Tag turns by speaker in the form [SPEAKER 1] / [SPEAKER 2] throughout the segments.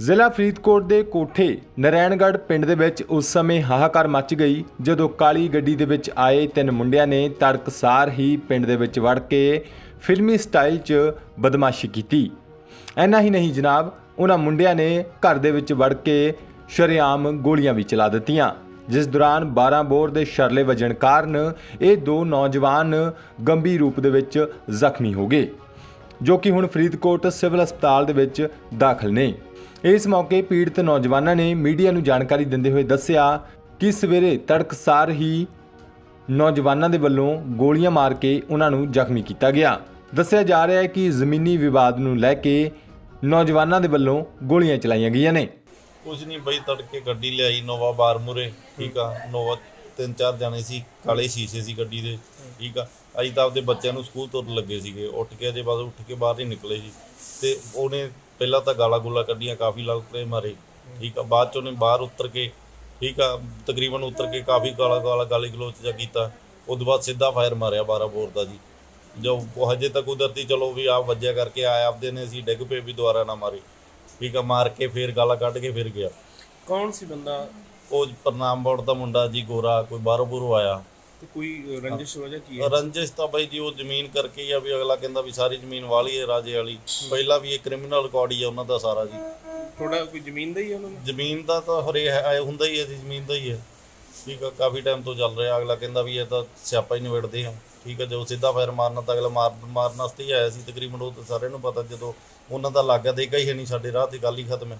[SPEAKER 1] ਜ਼ਿਲ੍ਹਾ ਫਰੀਦਕੋਟ ਦੇ ਕੋਠੇ ਨਰੈਣਗੜ੍ਹ ਪਿੰਡ ਦੇ ਵਿੱਚ ਉਸ ਸਮੇਂ ਹਾਹਾਕਾਰ ਮਚ ਗਈ ਜਦੋਂ ਕਾਲੀ ਗੱਡੀ ਦੇ ਵਿੱਚ ਆਏ 3 ਮੁੰਡਿਆਂ ਨੇ ਤੜਕਸਾਰ ਹੀ ਪਿੰਡ ਦੇ ਵਿੱਚ ਵੜ ਕੇ ਫਿਲਮੀ ਸਟਾਈਲ 'ਚ ਬਦਮਾਸ਼ੀ ਕੀਤੀ। ਇੰਨਾ ਹੀ ਨਹੀਂ ਜਨਾਬ, ਉਹਨਾਂ ਮੁੰਡਿਆਂ ਨੇ ਘਰ ਦੇ ਵਿੱਚ ਵੜ ਕੇ ਸ਼ਰੇਆਮ ਗੋਲੀਆਂ ਵੀ ਚਲਾ ਦਿੱਤੀਆਂ, ਜਿਸ ਦੌਰਾਨ 12 ਬੋਰ ਦੇ ਸ਼ਰਲੇ ਵੱਜਣ ਕਾਰਨ ਇਹ 2 ਨੌਜਵਾਨ ਗੰਭੀਰ ਰੂਪ ਦੇ ਵਿੱਚ ਜ਼ਖਮੀ ਹੋ ਗਏ, ਜੋ ਕਿ ਹੁਣ ਫਰੀਦਕੋਟ ਸਿਵਲ ਹਸਪਤਾਲ ਦੇ ਵਿੱਚ ਦਾਖਲ ਨੇ। ਇਸ ਮੌਕੇ ਪੀੜਤ ਨੌਜਵਾਨਾਂ ਨੇ ਮੀਡੀਆ ਨੂੰ ਜਾਣਕਾਰੀ ਦਿੰਦੇ ਹੋਏ ਦੱਸਿਆ ਕਿ ਸਵੇਰੇ ਤੜਕਸਾਰ ਹੀ ਨੌਜਵਾਨਾਂ ਦੇ ਵੱਲੋਂ ਗੋਲੀਆਂ ਮਾਰ ਕੇ ਉਹਨਾਂ ਨੂੰ ਜ਼ਖਮੀ ਕੀਤਾ ਗਿਆ। ਦੱਸਿਆ ਜਾ ਰਿਹਾ ਹੈ ਕਿ ਜ਼ਮੀਨੀ ਵਿਵਾਦ ਨੂੰ ਲੈ ਕੇ ਨੌਜਵਾਨਾਂ ਦੇ ਵੱਲੋਂ ਗੋਲੀਆਂ ਚਲਾਈਆਂ ਗਈਆਂ ਨੇ।
[SPEAKER 2] ਕੁਝ ਨਹੀਂ ਬਈ, ਤੜਕੇ ਗੱਡੀ ਲਿਆਈ ਨੋਵਾ ਬਾਰ ਮੂਰੇ, ਠੀਕ ਆ। ਨੋਵਾ 3-4 ਜਾਣੇ ਸੀ, ਕਾਲੇ ਸ਼ੀਸ਼ੇ ਸੀ ਗੱਡੀ ਦੇ, ਠੀਕ ਆ। ਅਸੀਂ ਤਾਂ ਆਪਦੇ ਬੱਚਿਆਂ ਨੂੰ ਸਕੂਲ ਤੁਰਨ ਲੱਗੇ ਸੀਗੇ, ਉੱਠ ਕੇ ਬਾਹਰ ਹੀ ਨਿਕਲੇ ਜੀ। ਤੇ ਉਹਨੇ ਪਹਿਲਾਂ ਤਾਂ ਗਾਲਾਂ ਗੂਲਾਂ ਕੱਢੀਆਂ, ਕਾਫੀ ਲੜਕੇ ਮਾਰੇ, ਠੀਕ ਆ। ਬਾਅਦ 'ਚ ਉਹਨੇ ਬਾਹਰ ਉਤਰ ਕੇ, ਠੀਕ ਆ, ਤਕਰੀਬਨ ਉਤਰ ਕੇ ਕਾਫੀ ਗਾਲੀ ਗਲੋਚ ਜਿਹਾ ਕੀਤਾ। ਉਸ ਤੋਂ ਬਾਅਦ ਸਿੱਧਾ ਫਾਇਰ ਮਾਰਿਆ 12 ਬੋਰ ਦਾ ਜੀ। ਜੋ ਹਜੇ ਤੱਕ ਕੁਦਰਤੀ ਚਲੋ ਵੀ ਆਪ ਵੱਜਿਆ ਕਰਕੇ ਆਏ, ਆਪਦੇ ਨੇ ਅਸੀਂ ਡਿੱਗ ਪਏ ਵੀ ਦੁਬਾਰਾ ਨਾ ਮਾਰੇ, ਠੀਕ ਆ। ਮਾਰ ਕੇ ਫਿਰ ਗਾਲਾਂ ਕੱਢ ਕੇ ਫਿਰ ਗਿਆ।
[SPEAKER 3] ਕੌਣ ਸੀ ਬੰਦਾ?
[SPEAKER 2] ਉਹ ਪ੍ਰਨਾਮ ਬੋਰਡ ਦਾ ਮੁੰਡਾ ਜੀ, ਗੋਰਾ, ਕੋਈ ਬਾਹਰੋਂ ਆਇਆ।
[SPEAKER 3] ਤੇ ਕੋਈ ਰੰਜਿਸ਼ ਵਜ੍ਹਾ ਕੀ ਹੈ?
[SPEAKER 2] ਰੰਜਿਸ਼ ਤਾਂ ਬਾਈ ਜੀ ਉਹ ਜ਼ਮੀਨ ਕਰਕੇ ਹੀ ਆ, ਵੀ ਅਗਲਾ ਕਹਿੰਦਾ ਵੀ ਸਾਰੀ ਜ਼ਮੀਨ ਵਾਲੀ ਹੈ ਰਾਜੇ ਵਾਲੀ। ਪਹਿਲਾਂ ਵੀ ਇਹ ਕ੍ਰਿਮੀਨਲ ਰਿਕਾਰਡ ਹੀ ਆ ਉਹਨਾਂ ਦਾ ਸਾਰਾ ਜੀ।
[SPEAKER 3] ਥੋੜਾ ਕੋਈ ਜ਼ਮੀਨ ਦਾ ਹੀ ਹੈ ਉਹਨਾਂ ਨੂੰ?
[SPEAKER 2] ਜ਼ਮੀਨ ਦਾ ਤਾਂ ਹਰੇ ਹੁੰਦਾ ਹੀ ਹੈ ਜੀ, ਜ਼ਮੀਨ ਦਾ ਹੀ ਹੈ, ਠੀਕ ਆ। ਕਾਫੀ ਟਾਈਮ ਤੋਂ ਚੱਲ ਰਿਹਾ। ਅਗਲਾ ਕਹਿੰਦਾ ਵੀ ਇਹ ਤਾਂ ਸਿਆਪਾ ਹੀ ਨਿਬੇੜਦੇ ਆ, ਠੀਕ ਆ। ਜੋ ਸਿੱਧਾ ਫਾਇਰ ਮਾਰਨਾ ਤਾਂ ਅਗਲਾ ਮਾਰਨ ਵਾਸਤੇ ਹੀ ਆਇਆ ਸੀ ਤਕਰੀਬਨ। ਉਹ ਤਾਂ ਸਾਰਿਆਂ ਨੂੰ ਪਤਾ, ਜਦੋਂ ਉਹਨਾਂ ਦਾ ਲੱਗ ਗਿਆ ਦੇਗਾ ਹੀ ਨਹੀਂ ਸਾਡੇ ਰਾਹ ਤੇ, ਗੱਲ ਹੀ ਖਤਮ ਹੈ।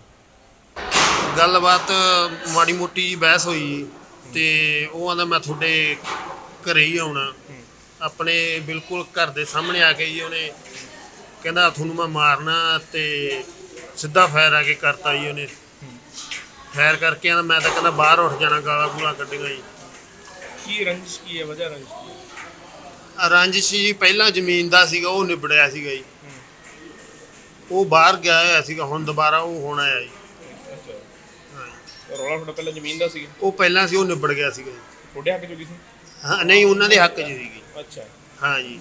[SPEAKER 4] ਗੱਲਬਾਤ ਮਾੜੀ ਮੋਟੀ ਬਹਿਸ ਹੋਈ ਤੇ ਉਹ ਆਂਦਾ ਮੈਂ ਤੁਹਾਡੇ ਘਰੇ ਹੀ ਆਉਣਾ, ਆਪਣੇ ਬਿਲਕੁਲ ਘਰ ਦੇ ਸਾਹਮਣੇ ਆ ਕੇ ਜੀ। ਉਹਨੇ ਕਹਿੰਦਾ ਤੁਹਾਨੂੰ ਮੈਂ ਮਾਰਨਾ, ਤੇ ਸਿੱਧਾ ਫਾਇਰ ਆ ਕੇ ਕਰਤਾ ਜੀ। ਉਹਨੇ ਫਾਇਰ ਕਰਕੇ ਆਂਦਾ ਮੈਂ ਤਾਂ ਕਹਿੰਦਾ ਬਾਹਰ ਉੱਠ ਜਾਣਾ, ਗਾਲਾਂ ਗੂਲਾਂ ਕੱਢੀਆਂ ਜੀ।
[SPEAKER 3] ਕੀ ਰੰਜਿਸ਼ ਕੀ ਹੈ, ਵਜ੍ਹਾ ਰੰਜਿਸ਼ ਕੀ ਹੈ?
[SPEAKER 4] ਰੰਜਿਸ਼ ਜੀ ਪਹਿਲਾਂ ਜ਼ਮੀਨ ਦਾ ਸੀਗਾ, ਉਹ ਨਿਬੜਿਆ ਸੀਗਾ ਜੀ। ਉਹ ਬਾਹਰ ਗਿਆ ਹੋਇਆ ਸੀਗਾ, ਹੁਣ ਦੁਬਾਰਾ ਉਹ ਹੋਣਾ ਹੈ ਜੀ।
[SPEAKER 3] ਰੌਲਾ ਤੁਹਾਡਾ ਪਹਿਲਾਂ ਜ਼ਮੀਨ ਦਾ ਸੀ?
[SPEAKER 4] ਉਹ ਪਹਿਲਾਂ ਸੀ, ਉਹ ਨਿਬੜ ਗਿਆ ਸੀਗਾ ਜੀ।
[SPEAKER 3] ਤੁਹਾਡੇ ਹੱਕ 'ਚ ਕੀ ਸੀ?
[SPEAKER 4] ਹਾਂ ਨਹੀਂ, ਉਹਨਾਂ ਦੇ ਹੱਕ 'ਚ ਸੀਗੀ।
[SPEAKER 3] ਅੱਛਾ,
[SPEAKER 4] ਹਾਂ ਜੀ,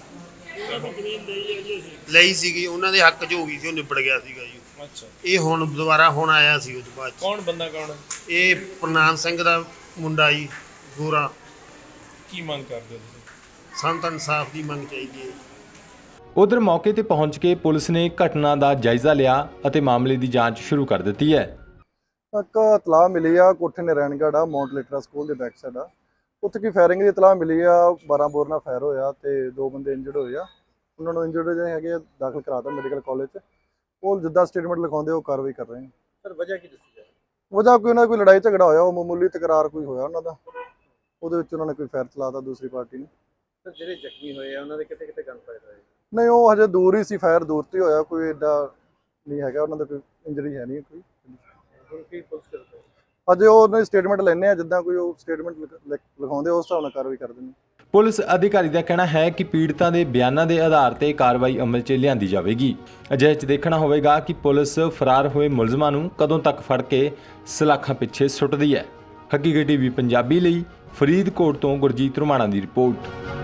[SPEAKER 4] ਲਈ ਸੀਗੀ, ਉਹਨਾਂ ਦੇ ਹੱਕ 'ਚ ਹੋ ਗਈ ਸੀ, ਉਹ ਨਿਬੜ ਗਿਆ ਸੀਗਾ ਜੀ।
[SPEAKER 3] ਅੱਛਾ।
[SPEAKER 4] ਇਹ ਹੁਣ ਦੁਬਾਰਾ ਹੁਣ ਆਇਆ ਸੀ ਉਹ ਤੋਂ ਬਾਅਦ 'ਚ।
[SPEAKER 3] ਕੌਣ ਬੰਦਾ ਕੌਣ?
[SPEAKER 4] ਇਹ ਪ੍ਰਨਾਮ ਸਿੰਘ ਦਾ ਮੁੰਡਾ ਜੀ, ਗੋਰਾ।
[SPEAKER 3] ਕੀ ਮੰਗ ਕਰਦੇ ਹੋ ਤੁਸੀਂ?
[SPEAKER 4] ਸਾਨੂੰ ਤਾਂ ਇਨਸਾਫ ਦੀ ਮੰਗ ਚਾਹੀਦੀ ਹੈ।
[SPEAKER 1] ਉਧਰ ਮੌਕੇ ਤੇ ਪਹੁੰਚ ਕੇ ਪੁਲਿਸ ਨੇ ਘਟਨਾ ਦਾ ਜਾਇਜ਼ਾ ਲਿਆ ਅਤੇ ਮਾਮਲੇ ਦੀ ਜਾਂਚ ਸ਼ੁਰੂ ਕਰ ਦਿੱਤੀ ਹੈ।
[SPEAKER 5] ਇੱਕ ਇਤਲਾਹ ਮਿਲੀ ਆ ਕੋਠੇ ਨਰੈਣਗੜ੍ਹ ਆ, ਮਾਊਂਟ ਲਿਟਰਾ ਸਕੂਲ ਦੇ ਬੈਕ ਸਾਈਡ ਆ। ਉੱਥੇ ਕੀ ਫਾਇਰਿੰਗ ਦੀ ਇਤਲਾਹ ਮਿਲੀ ਆ, 12 ਬੋਰ ਨਾਲ ਫਾਇਰ ਹੋਇਆ ਤੇ 2 ਬੰਦੇ ਇੰਜਰਡ ਹੋਏ ਆ। ਉਹਨਾਂ ਨੂੰ ਇੰਜਰਡ ਜਿਹੜੇ ਹੈਗੇ ਦਾਖਲ ਕਰਾਤਾ ਮੈਡੀਕਲ ਕਾਲਜ 'ਚ। ਉਹ ਜਿੱਦਾਂ ਸਟੇਟਮੈਂਟ ਲਿਖਾਉਂਦੇ ਉਹ ਕਾਰਵਾਈ ਕਰ ਰਹੇ ਆ।
[SPEAKER 3] ਸਰ ਵਜ੍ਹਾ ਕੀ ਦੱਸੀ ਜਾ ਰਹੀ?
[SPEAKER 5] ਵਜ੍ਹਾ ਕੋਈ ਉਹਨਾਂ ਦਾ ਕੋਈ ਲੜਾਈ ਝਗੜਾ ਹੋਇਆ, ਉਹ ਮਾਮੂਲੀ ਤਕਰਾਰ ਕੋਈ ਹੋਇਆ ਉਹਨਾਂ ਦਾ, ਉਹਦੇ ਵਿੱਚ ਉਹਨਾਂ ਨੇ ਕੋਈ ਫਾਇਰ ਚਲਾਤਾ ਦੂਸਰੀ ਪਾਰਟੀ ਨੇ।
[SPEAKER 3] ਸਰ ਜਿਹੜੇ ਜ਼ਖਮੀ ਹੋਏ ਆ ਉਹਨਾਂ ਦੇ ਕਿਤੇ ਗਨ ਫਾਇਰ ਹੋਏ?
[SPEAKER 5] ਨਹੀਂ, ਉਹ ਹਜੇ ਦੂਰ ਹੀ ਸੀ, ਫਾਇਰ ਦੂਰ ਤੇ ਹੋਇਆ, ਕੋਈ ਐਡਾ ਨਹੀਂ ਹੈਗਾ, ਉਹਨਾਂ ਦਾ ਕੋਈ ਇੰਜਰੀ ਹੈ ਨਹੀਂ ਕੋਈ।
[SPEAKER 3] ਹੁਣ ਕੀ ਪੁਲਿਸ ਕਰਦੇ?
[SPEAKER 5] ਅਜੇ ਉਹਨਾਂ ਦੀ ਸਟੇਟਮੈਂਟ ਲੈਣੇ ਆ, ਜਿੱਦਾਂ ਕੋਈ ਉਹ ਸਟੇਟਮੈਂਟ ਲਿਖਾਉਂਦੇ ਉਸ ਹਿਸਾਬ ਨਾਲ ਕਾਰਵਾਈ ਕਰ ਦਿੰਦੇ।
[SPEAKER 1] ਪੁਲਿਸ ਅਧਿਕਾਰੀ ਦਾ ਕਹਿਣਾ ਹੈ ਕਿ ਪੀੜਤਾਂ ਦੇ ਬਿਆਨਾਂ ਦੇ ਆਧਾਰ ਤੇ ਕਾਰਵਾਈ ਅਮਲ 'ਚ ਲਿਆਂਦੀ ਜਾਵੇਗੀ। ਅਜਿਹੇ 'ਚ ਦੇਖਣਾ ਹੋਵੇਗਾ ਕਿ ਪੁਲਿਸ ਫਰਾਰ ਹੋਏ ਮੁਲਜ਼ਮਾਂ ਨੂੰ ਕਦੋਂ ਤੱਕ ਫੜ ਕੇ ਸਲਾਖਾਂ ਪਿੱਛੇ ਸੁੱਟਦੀ ਹੈ। ਹਕੀਕਤ ਟੀਵੀ ਪੰਜਾਬੀ ਲਈ ਫਰੀਦਕੋਟ ਤੋਂ ਗੁਰਜੀਤ ਰੁਮਾਣਾ ਦੀ ਰਿਪੋਰਟ।